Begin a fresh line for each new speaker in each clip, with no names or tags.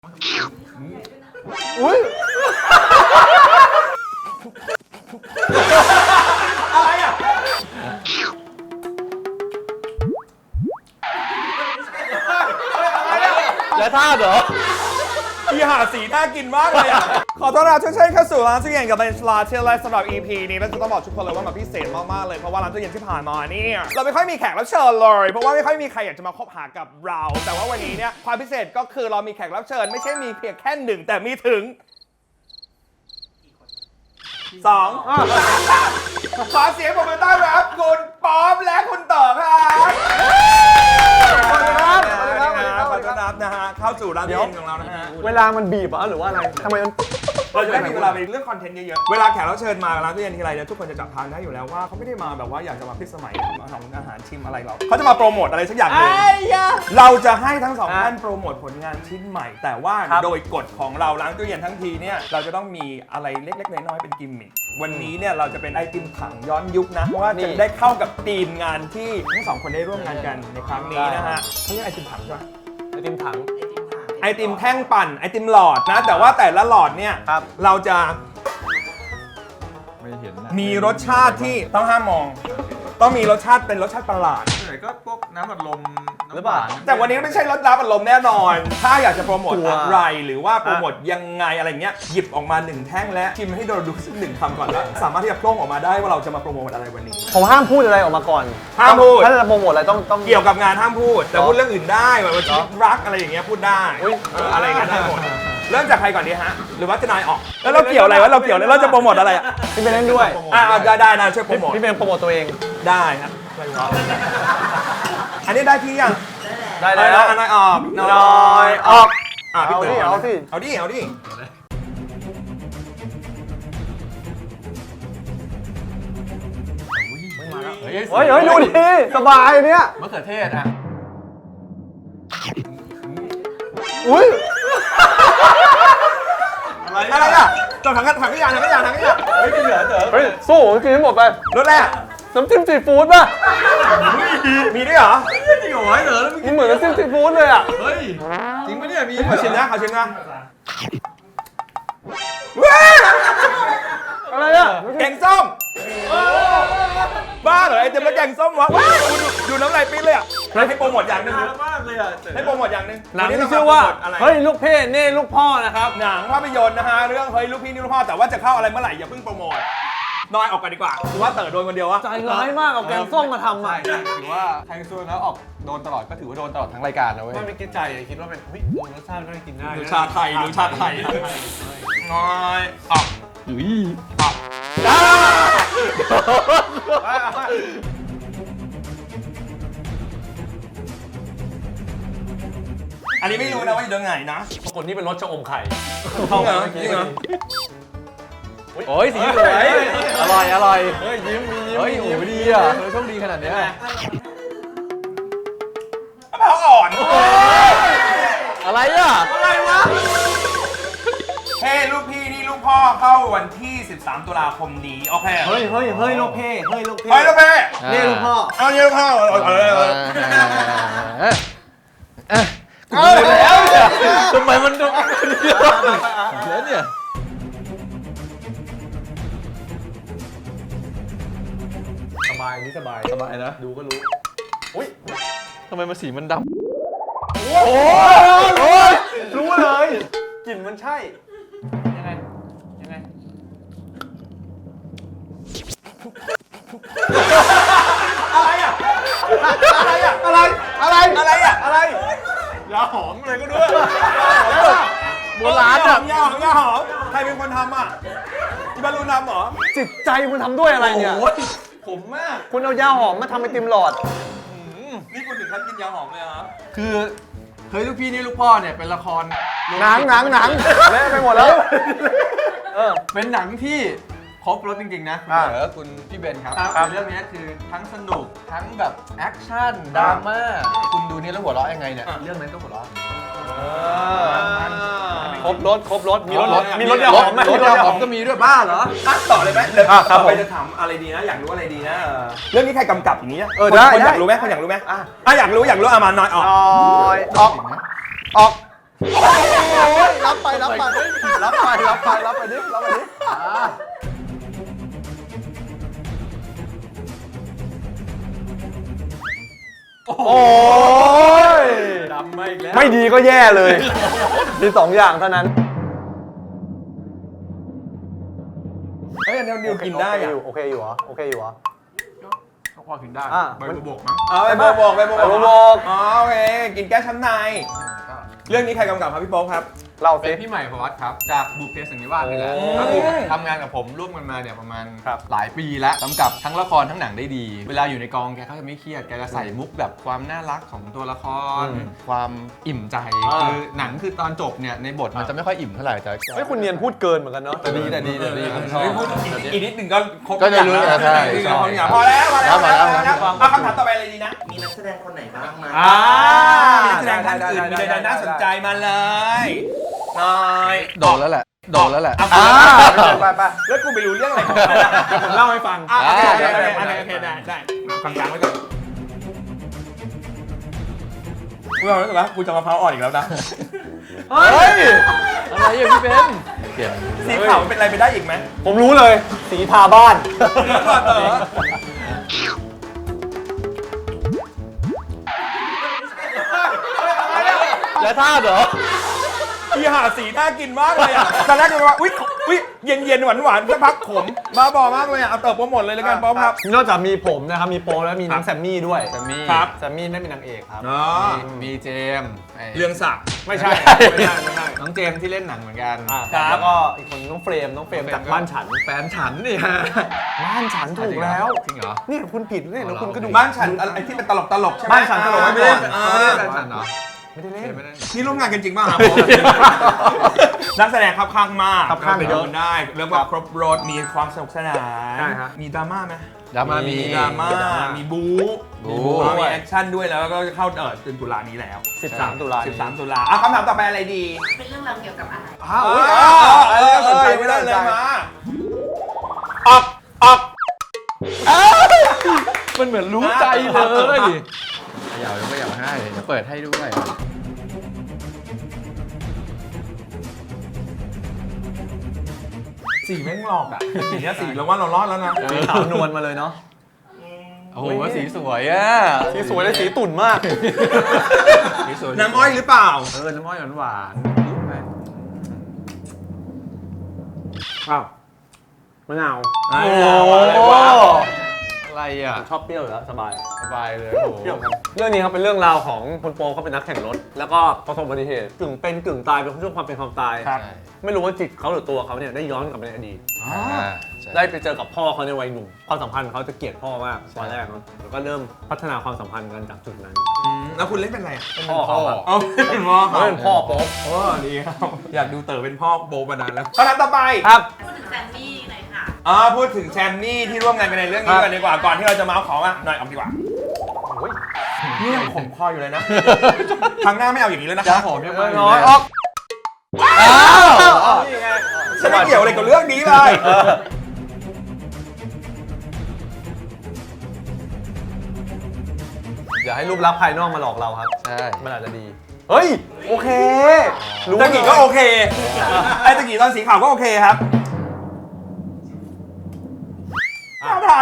อุ้ย
อะไรอ่ะ
และท่าเหรอ
อีหาสีน่ากินมากเลยอ่ะขอต้อนรับทุกท่านเข้าสู่ร้านตู้เย็นกับเป็นร้านที่ไลฟ์สำหรับ EP นี้แล้วจะต้องบอกทุกคนเลยว่ามันพิเศษมากๆเลยเพราะว่าร้านตู้เย็นที่ผ่านมาเนี่ยเราไม่ค่อยมีแขกรับเชิญเลยเพราะว่าไม่ค่อยมีใครอยากจะมาคบหากับเรา แต่ว่าวันนี้เนี่ยความพิเศษก็คือเรามีแขกรับเชิญไม่ใช่มีเพียงแค่หนึ่งแต่มีถึงสองขอเสียงปรบมือต้อนรับคุณป๊อปและคุณต่อครับขอต้อนรับนะฮะเข้าสู่ร้านตู้เย็นของเรานะฮะ
เวลามันบีบหรือว่าอะไรทำไมมัน
เราจะได้มีเวลาไปเรื่องคอนเทนต์เยอะๆ เวลาแขกรับเชิญมาร้านตู้เย็นทีไรเนี่ยทุกคนจะจับทางได้อยู่แล้วว่าเขาไม่ได้มาแบบว่าอยากจะมาพิสมัยมาทำอาหารชิมอะไรหรอกเขาจะมาโปรโมทอะไรสักอย่างหนึ่งเราจะให้ทั้งสองท่านโปรโมทผลงานชิ้นใหม่ แต่ว่าโดยกฎของเราร้านตู้เย็นทั้งทีเนี่ยเราจะต้องมีอะไรเล็กๆน้อยๆเป็นกิมมิควันนี้เนี่ยเราจะเป็นไอติมถังย้อนยุคนะเพราะว่าจะได้เข้ากับธีมงานที่ทั้งสองคนได้ร่วมงานกันในครั้งนี้นะฮะเขาเรียกไอติมถังใช่ไหม
ไอติมถัง
ไอติมแท่งปั่นไอติมหลอดนะแต่ว่าแต่ละหลอดเนี่ยเราจะ
ไม่เห็นนะ
มีรสชาติที่ต้องห้ามมอง ต้องมีรสชาติเป็นรสชาติประหลาด
ส่วนใหญ่ก็พวกน้ำอัดลม
หรือเปล่า
แต่วันนี้ไม่ใช่รสน้ำอัดลมแน่นอน ถ้าอยากจะโปรโมทอะไรหรือว่าโปรโมทยังไงอะไรเงี้ยหยิบออกมา1แท่งและชิมให้เราดูสัก1คำก่อนแล้วสามารถที่จะโพร่งออกมาได้ว่าเราจะมาโปรโมทอะไรวันนี้
ผมห้ามพูดอะไรออกมาก่อน
ห้ามพูด
ถ้าจะโปรโมทอะไรต้อง
เกี่ยวกับงานห้ามพูด แต่พูดเรื่องอื่นได้แบบว่าชีวิตรักอะไรอย่างเงี้ยพูดได้อะไรอย่างเงี้ยได้หมดเริ่มจากใครก่อนดีฮะหรือว่าจะนายออกแล้วเราเกี่ยวอะไรวะเราเกี่ยวอะไรเราจะโปรโมทอะไรอ่ะ
พี่เป็นเล่นด้วย
ได้นะช่วยโปรโมท
พี่เป็นโปรโมทตัวเอง
ได้ครับอันนี้ได้ที่ยัง
ได้แล้ว
นายออก
น้อยออก
พี่เต๋
เอาสิ
เอาดิ
เฮ้ยดูดิสบายเนี่ย
มะเขือเทศอ่ะ
อุ้ย
อะไรอ่ะจบถังขยะ
เฮ้ยกินเหลือเต๋อ
เฮ้ยสู้กินให้หมดไป
รถแรก
น้ำจิ้มซีฟู้ดป่ะ
มีด้วยเหรอ
จริงเหรอไอ้เต๋อแล้วมึง
มันเหมือนน้ำจิ้มซีฟู้ดเลยอ่ะ
เฮ้ยจริงปะเนี่ยมี
ขอชิมนะ
อะไรอ่ะ
แกงส้มบ้าเหรอไอเต็มแล้วแกงส้มวะดูน้ำลายปิ้นเลยอ่ะให้โปรโมทอย่างหนึ่ง
นานมากเลยอ่ะเต๋อ
ให้โปรโมทอย่างหนึ่ง
หนังที่ชื่อว่าเฮ้ยลูกเพ่เน่ลูกพ่อนะครับ
หนังภาพยนตร์นะฮะเรื่องเฮ้ยลูกพี่นี่ลูกพ่อแต่ว่าจะเข้าอะไรเมื่อไหร่อย่าเพิ่งโปรโมทน้อยออกกันดีกว่าหรือว่าเต๋อโดนคนเดียววะ
ใจร้ายมากเอาแกงส้มมาทำอ่ะ
ถือว่าใครสู้แล้วออกโดนตลอดก็ถือว่าโดนตลอดทั้งรายการนะเว้ย
ไม่คิดใจคิดว่าเป็นเฮ้ยรสชาติไม่กินได้
ดูชาไทยน้อยออก
อุ้ย
อันนี้ไม่รู้นะว่าอยู่ตรงไหนนะ
ปรากฏนี่เป็นรสชะอมไข่
เข้าเหรอจริงเหรอ
โอ้ยสีสวยอร่อย
เฮ้ยยิ้มมียิ้ม
เฮ้ย
มี
โอ้
ยิ้ม
ดีอ่ะ
เฮ้ยโชคดีขนาดเนี้ย
มะพร้าวอ่อน
อะไรอ่ะ
อะไรวะเฮ้ลูกพี่นี่ลูกพ่อเข้าวันที่ 13 ตุลาคมนี้โอเค
เฮ้ยลูกเพ่เฮ้ยลูกเพ่
ไปลูกพี่
นี่ลูกพ่อ
เอาเนี่ยลูกพ่อ
แล้วทำไมมันต้องแล้วเนี่ย
สบายนี่สบาย
สบายนะ
ดูก็รู้
อุ้ยทำไมมันสีมันดำ
โอ้ยรู้เลยกลิ่นมันใช่ยังไง
อะไร
ยาหอมอะไรก็ด้วย
โบราณอ่ะยาหอมใครเป็นคนทำอ่ะที่บรรลุนำเหรอ
จิตใจคุณทำด้วยอะไรเนี่ย
ผมมาก
คุณเอายาหอมมาทำไอติมหลอด
นี่คุณถึงขั้นกินยาหอมเลยเหรอ
คือเฮ้ยลูกพี่นี่ลูกพ่อเนี่ยเป็นละคร
หนังเละไปหมดแล้ว
เป็นหนังที่ครบรถจริงๆนะ
อ่า
คุณพี่เบนครับเรื่องนี้คือทั้งสนุกทั้งแบบแอคชั่นดราม่าคุณดูนี่แล้วหัวเราะยังไงเนี่ยเรื่องนั้นก็หัวเราะ
ครบรถมีรถยาหอมไหม
รถยาหอมก็มีด้วยบ้าเหรอ
ต่อเลยไหมเดี๋ยว
ครับ
ต่อไปจะถามอะไรดีนะอยากรู้อะไรดีนะเรื่องนี้ใครกำกับอย่างนี้
ได้
คนอยากรู้ไหมคนอยากรู้ไหมอยากรู้มาน้อยออก
ออก
ออก
รับไปดิรับไปดิโอ้ย
ดำมาอีกแล้ว
ไม่ดีก็แย่เลยมี2 อย่างเท่านั้น
เฮ้ยอันนี้นิวกินได้อะ
โอเคอยู่เหรอ
ก็พอกินได้
ใบบัวบกมั้งไปบัวบก
ไปบัวบก
อ๋อโอเคกินแก้ช้ำในเรื่องนี้ใครกำกับครับพี่โป๊กครับ
เล่า
เป็
สิ
นพี่ใหม่พวัตครับจากบุพเพสันนิวาสนี่แหละ
โอ้
ก็คือทำงานกับผมร่วมกันมาเนี่ยประมาณ
ครับ
หลายปีแล้วกำกับทั้งละครทั้งหนังได้ดี เวลาอยู่ในกองแกเขาจะไม่เครียดแกจะใส่มุกแบบความน่ารักของตัวละคร ความอิ่มใจคือหนังคือตอนจบเนี่ยในบทมันจะไม่ค่อยอิ่มเท่าไหร่แต่
เฮ้ยคุณเนียนพูดเกินเหมือนกันเนาะแต่ดีผมชอบ
เฮ้ยพูดอีกนิดหนึ่งก็ครบ
ก็จะรู้
อย่าง
ใช่
พอแล้ว
ครับ
เอาคำถามต่อไปเลยดีนะ
มีนักแสดงคนไหนบ้างไหม
มีนักแสดงท่านอื่นมีใดๆน่าสนใจมาเลยน้อย
โดนแล้วแหละ
ไปแล้วกูไม่รู้เรื่องอะไรเดี๋ยวผมเล่าให้ฟังโอเคได้กลางๆไว้ก่อนกูรู้สึกว่ากูจะมะพร้าวอ่อนอีกแล้วนะ
เฮ้ย
อะไรอย่างพี่เป็นเปลี่ยน
สีขาวเป็นอะไรไปได้อีกไหม
ผมรู้เลยสีทาบ้าน
แล้วก่อนเต๋อ
แล้วท่าเหรอ
พี่หาสีน่ากินมากเลยอ่ะตอนแรกก็ว่าอุ๊ยเย็นหวานสักพักขมบ้าบอมากเลยอ่ะเอาเต๋อโปรโมทเลยแล้วกันป๊อปครับ
นอกจากมีผมนะครับมีโปรแล้วมีน้องแซมมี่ด้วย
แซมมี่
ครับ
แซมมี่ไม่เป็นนางเอกครับ
อ๋อ
มีเจมส์ไอ้
เรื่องศักดิ์
ไม่ใช่
น้องเจมส์ที่เล่นหนังเหมือนกัน
ครับ
แล้วก็อีกคนน้องเฟรมจากบ้านฉัน
แฟนฉันนี่ฮะ
บ้านฉันถูกแล้ว
จริงเหรอ
นี่คุณผิดนี่แล้วคุณก็ดู
บ้านฉันอะไรที่เป็นตลกใช่ไหม
บ้านฉันตลก
ไม่ได้
ไม่ได้แฟนฉันเหรอ
ไม่ได้เล่น
ไม่ได้
นี่ร่วมงานกันจริงป่ะครับนักแสดงครับข้างมาก
ครับข้าง
ไป
เย
ดู
อะ
ได้เรียกว่าครบรถมีความสนุกสนาน
ใช่ฮะ
มีดราม่าไหม
ดราม่ามี
ดราม่ามีบู๊
บู๊
มีแอคชั่นด้วยแล้วก็เข้าเดือนตุลานี้แล้ว
13 ตุลา
13 ตุลาอ่ะคำถามต่อไปอะไรดี
เป็นเรื่องราวเกี่ยวกับอะไร
สนใจไม่ได้เลยมาออก
มันเหมือนรู้ใจเลยอยากไม่อยากให้เดี๋ยวเปิดให้ด้วย
สีแม่งหลอกอ่ะสีเนี้ยสีแล้วว่าเรารอดแล้วนะ
ขาวนวลมาเลยเนาะ
โอ้โหสีสวยอ่ะ
สีสวยและสีตุ่นมาก
สีสวย
น้ำอ้อยหรือเปล่า
น้ำอ้อยหวาน
อ้าวมะนาว
โอ้
อะไรอ่ะ
ชอบเปรี้ยวอยู่แล้วสบาย
สบายเลยโอ้โห
เรื่องนี้ครับเป็นเรื่องราวของคุณโปเขาเป็นนักแข่งรถ แล้วก็ประสบอุบัติเหตุกึ่งเป็นกึ่งตายเป็นช่วงความเป็นความตาย
ครับ
ไม่รู้ว่าจิตเขาหรือตัวเขาเนี่ยได้ย้อนกลับไปในอดีต
ใช่
ได้ไปเจอกับพ่อเขาในวัยหนุ่มความสัมพันธ์เขาจะเกลียดพ่อมากตอนแรกเนอะแล้วก็เริ่มพัฒนาความสัมพันธ์กันจากจุดนั้น
แล้วคุณเล่นเป็นอะไรอ่ะ
พ่อเขาครับ
เอาเป็นพ่อ
เขาเป็นพ่อโป๊ป
โอ้ดีครับอยากดูเต๋อเป็นพ่อโบมานานแล้วคำถามต่อไป
ครับ
พูดถึงแซมมี่หน่อยค่ะ
พูดถึงแชมป์นี่ที่ร่วมงานกันในเรื่องนี้กันดีกว่าก่อนที่เราจะมาเอาของอ่ะหน่อยเอาดีกว่านี่ยังขมคออยู่เลยนะครั้งหน้าไม่เอาอย่างนี้แล้วนะ
จ้าหอมยังไม่
น้อยออก
นี่ไงฉันไม่เกี่ยวอะไรกับเรื่องนี้เลย
อย่าให้รูปลักษณ์ภายนอกมาหลอกเราครับ
ใช่
มันอาจจะดี เฮ้ย โอเค
ตะกี้ก็โอเคไอ้ตะกี้ตอนสีขาวก็โอเคครับอะไร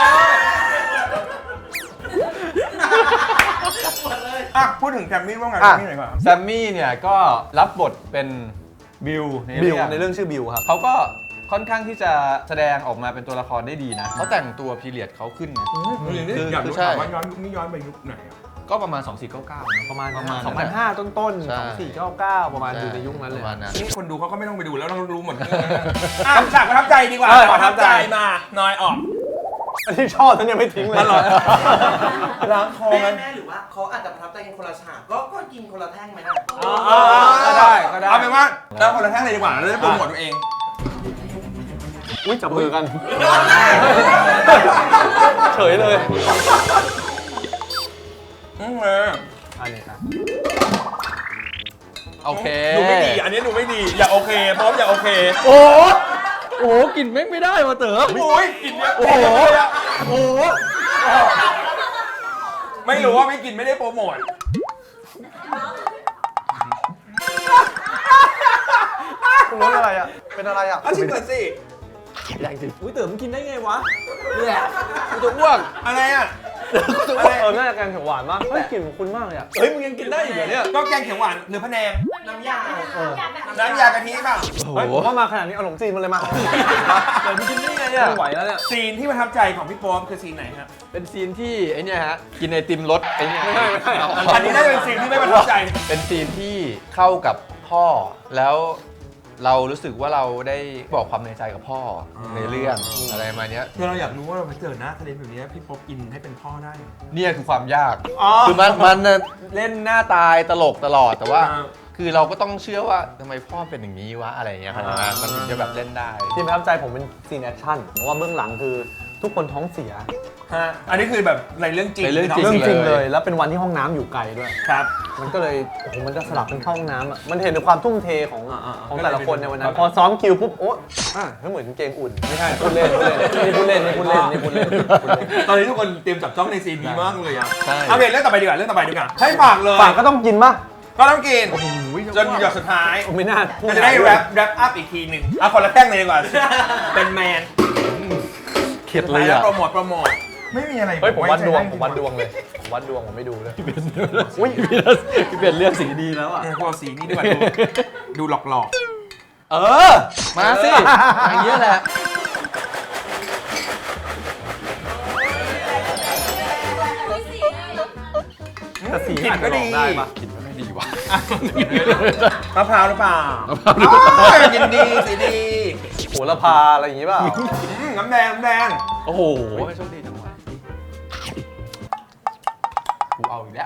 พูดถึงแคมมี่ร่วมงานกันนี่หน่อยก่อน
แซมมี่เนี่ยก็รับบทเป็นบิล
บิวในเรื่องชื่อบิวครับ
เขาก็ค่อนข้างที่จะแสดงออกมาเป็นตัวละครได้ดีนะเขาแต่งตัวพีเรียดเขาขึ้นนะ
อยากรู้
ใช่
ถามว่าย้อนไปยุคไหนอ่ะ
ก็ประมาณ 2499นะ
ประมาณ
ประมาณ
2005 ต้น
ใช่
ๆ2499 ประมาณอยู่ในยุคนั้นเลย
ประมาณนั้น
นี่คนดูเขาก็ไม่ต้องไปดูแล้วเรารู้หมดฉากประทับใจดีกว่าประทับใจมาน้อยออก
อันที่ชอบฉันยังไม่ทิ้งเลย
ตลอด ล้างคอ
แม่
มัน
หรือว่าเขาอาจจะประทับใจกันคนละฉากก็กินคนละแท่งไหมนะ
ก็ได้ก็ได้
เอาเป็นว่าเราคนละแท่งเลยดีกว่าเราจะโปรโมทตัวเอง
อุ้ยจับมือกัน เฉยเลย อันนี้ครับ
โอเค
ดูไม่ดี อันนี้ดูไม่ดี อย่าโอเคพร้อมอย่าโอเค
โอ้โหกลิ่นไม่ได้ว่ะเต๋อ
โอ้ยกินเยอะ
โอ้โห โอ้โห
ไม่รู้ว่าไม่กินไม่ได้โปรโมท
คุณรสอะไรอ่ะเป็นอะไรอ่ะ
เอาชิมก่อนสิ
แรงจริงอุ้ยเต๋อมันกินได้ไงวะ
เนี่ยกูจะอ้วก
อะไรอ่ะ
น่าจะแกงเขียวหวานมากเฮ้ยกลิ่นของคุณมากเลยอ่ะ
เฮ้ยมึงยังกินได้อีกเหรอเนี่ย
ก็แกงเขียวหวานหรือพะแนง
น้ำยา
น้ำยากะทิเปล่า
โอ้โห
เฮ้ยผมว่ามาขนาดนี้เอาขนมจีนมาเลยมา
เดี๋ยวมึงกินได้ไงอ่ะ
ไม่ไหวแล้วเนี่ย
ซีนที่ประทับใจของพี่โป๊ปคือซีนไหนฮะ
เป็นซีนที่ไอเนี่ยฮะกินไอติมรสไอเนี่ย
ไม่ใช่
อันนี้น่าจะเป็นซีนที่ไม่ประทับใจ
เป็นซีนที่เข้ากับพ่อแล้วเรารู้สึกว่าเราได้บอกความในใจกับพ่อในเรื่องอะไรมาเนี้ย
คือเราอยากรู้ว่าเราไปเจอหน้าทะเลแบบนี้พี่โป๊ปอินให้เป็นพ่อได้
เนี่ยคือความยาก
อ๋อ
คือมันน่ะเล่นหน้าตายตลกตลอดแต่ว่า
อ่า
คือเราก็ต้องเชื่อว่าทำไมพ่อเป็นอย่างนี้วะอะไรอย่างเงี้ยครับมันถึงจะแบบเล่นได้
ที่ประทับใจผมเป็นซีนแอคชั่นเพราะว่าเบื้องหลังคือทุกคนท้องเสีย
ฮะอันนี้คือแบบในเรื่องจริง
ในเรื่องจริ
เรื่องจริง
เล
เลย ย แล้วเป็นวันที่ห้องน้ำอยู่ไกลด้วย
ครับ
มันก็เลยโอ้โหมันจะสลับเป็นเข้าห้องน้ำอ่ะมันเห็นถึงความทุ่มเทของ
อ่าๆ
ของแต่ละคนในวันนั้
ครั
น
บ
พอซ้อมคิวปุ๊บโอ๊ะก็เหมือนเกงอุ่นไม่ใช่พูดเล่นพูดเล่นนี่พูดเล่นนี่พูดเล่นนี่พูดเล่น
ตอนนี้ทุกคนเตรียมจับจ้องในซีนนี้มากเลยอ่ะ
ใช่
เอาเรื่องต่อไปดีกว่าให้ฝากเลย
ฝากก็ต้องกินป่ะ
ก็ต้องกินจนหยดสุดท้าย
ผมไม่น่าพูด
ก็จะได้แรปอัพอีกทีหนึ่งเอาคนละแท่งเลยดีกว่า เป็นแมน
เข็ดเลยอ่ะ
โปรโมทไม่มีอะไร
เฮ้ยผมวัดดวง
ไใจ
ผมวัดดวงเลยผมวัดดวงผมไม่ดูเลย
อุ้ยพี่เป็นเรื่องสีดีแล้วอ่ะ
เนี่ยพวกสีนี้ดีกว่าดูหลอก
เออ มาสิอย่างเงี้ยแหละ
แต่สี
กลิ่นก็ดี
ได้ปะ
กินไม่ดีว่ะ
มะพร้าวหรือเปล่ากินดีสีดี
โหระพาอะไรอย่างงี้เปล่า
น้ำแดง
โอ้โหโชคดีจังวะกูเอาอีกแล้ว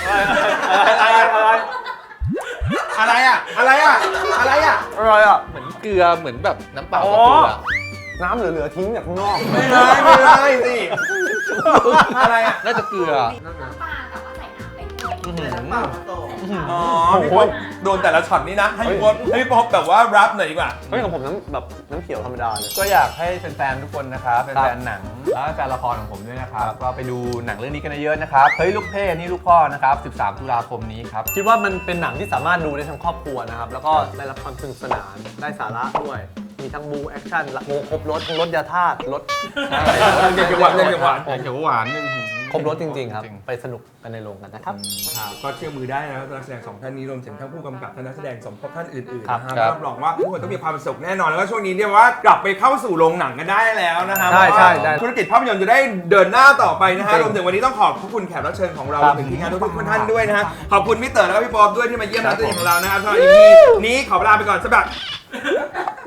อะไรอ่ะ
อะไรอ่ะ
เหมือนเกลือเหมือนแบบน้ำเปล่า
อ๋
กับ
อ
เกลือ
น้ำเหลือๆทิ้งจากข้างนอก
ไม่ได้สิอะไรอ่ะ
น่าจะเกลือ
น้ำปลาแต่ว่าใส่น้ำไปด้วย
อื้อหือ
น้ำเปล่ามาโต
อ๋อพี่ป๊อปโดนแต่ละช็อตนี้นะ ให้พี่ป๊อปแบบว่ารับหน่อยดีกว่า
เฮ้ยของผมน้ำเขียวธรรมดาเลย
ก็อยากให้แฟนๆทุกคนนะครับแฟนๆหนังแล้วก็แฟนละครของผมด้วยนะครับ ก็ไปดูหนังเรื่องนี้กันเยอะๆนะครับ เฮ้ยลูกเพ่นี่ลูกพ่อนะครับ 13 ตุลาคมนี้ครับ
คิดว่ามันเป็นหนังที่สามารถดูได้ทั้งครอบครัวนะครับ แล้วก็ได้รับความสนุกสนาน ได้สาระด้วย มีทั้งบูแอคชั่นโมครบรถทั้งรถยาธาตุรถ
เด็กจังหวัดเด็กจังหวัด
แกงเขียวหวานนึง
ครบรถจริงๆครับ ไปสนุกกันในโรงกันนะครับ
ก็เชื่อมือได้นะครับนักแสดงสองท่านนี้รวมถึงทั้งผู้กำกับและนักแสดงสมทบท่านอื่นๆ
ครับ
นะครับรับรองว่าทุกคนต้องมีความสุขแน่นอน แล้วก็ช่วงนี้เนี่ยว่ากลับไปเข้าสู่โรงหนังกันได้แล้วนะครับ
ใช่ใช่ได้
ธุรกิจภาพยนตร์จะได้เดินหน้าต่อไปนะฮะรวมถึงวันนี้ต้องขอบคุณแขกรับเชิญของเรา
ค
ร
รั
ว
บ
มถึงทีมงานทุกๆท่านด้วยนะฮะขอบคุณพี่เต๋อแล้วก็พี่ป๊อปด้วยที่มาเยี่ยมนักแสดงของเรานะครับสำหรับ EP นี้ขอลาไปก่อนสำหรับ